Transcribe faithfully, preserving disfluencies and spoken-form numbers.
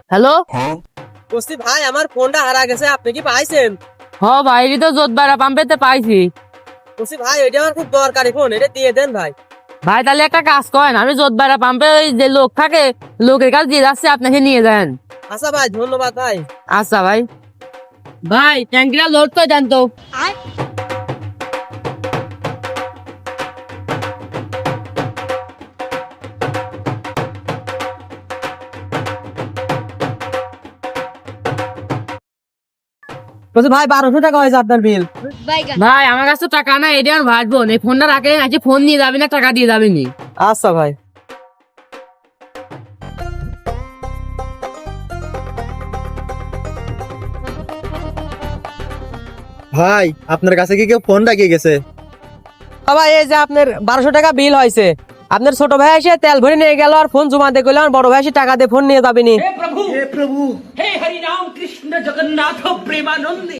Hello. বলছি ভাই আমার ফোনটা হারা গেছে, আপনি কি পাইছেন? হ ভাই, এটা তো জোতবাড়া পাম্পেতে পাইছি। বলছি ভাই এটা আমার খুব দরকারি ফোন, এটা দিয়ে দেন ভাই। ভাই তাহলে একটা কাজ করেন, আমি জোতবাড়া পাম্পে ওই যে লোক থাকে, লোকের কাছে দিয়ে যাচ্ছে, আপনাকে নিয়ে যান। আচ্ছা ভাই, ধন্যবাদ ভাই। আচ্ছা ভাই। ভাই ট্যাঙ্কিটা লোড করে দেন তো। বলছি ভাই বারোশো টাকা হয়েছে আপনার বিল। ভাই আমার কাছে তো টাকা নাই, এটা আমার ভাববো এই ফোনটা রাখে আজকে ফোন নিয়ে যাবি না, টাকা দিয়ে যাবি নি। আচ্ছা ভাই। ভাই আপনার কাছে কি কেউ ফোন রাখিয়ে গেছে? ভাই এই যে আপনার বারোশো টাকা বিল হয়েছে, আপনার ছোট ভাই এসে তেল ভরে নিয়ে গেল আর ফোন জমা দিয়ে গেল, আর বড় ভাই এসে টাকা দিয়ে ফোন নিয়ে যাবেনি। हे प्रभु हे हरि राम कृष्ण जगन्नाथ प्रेमानंद।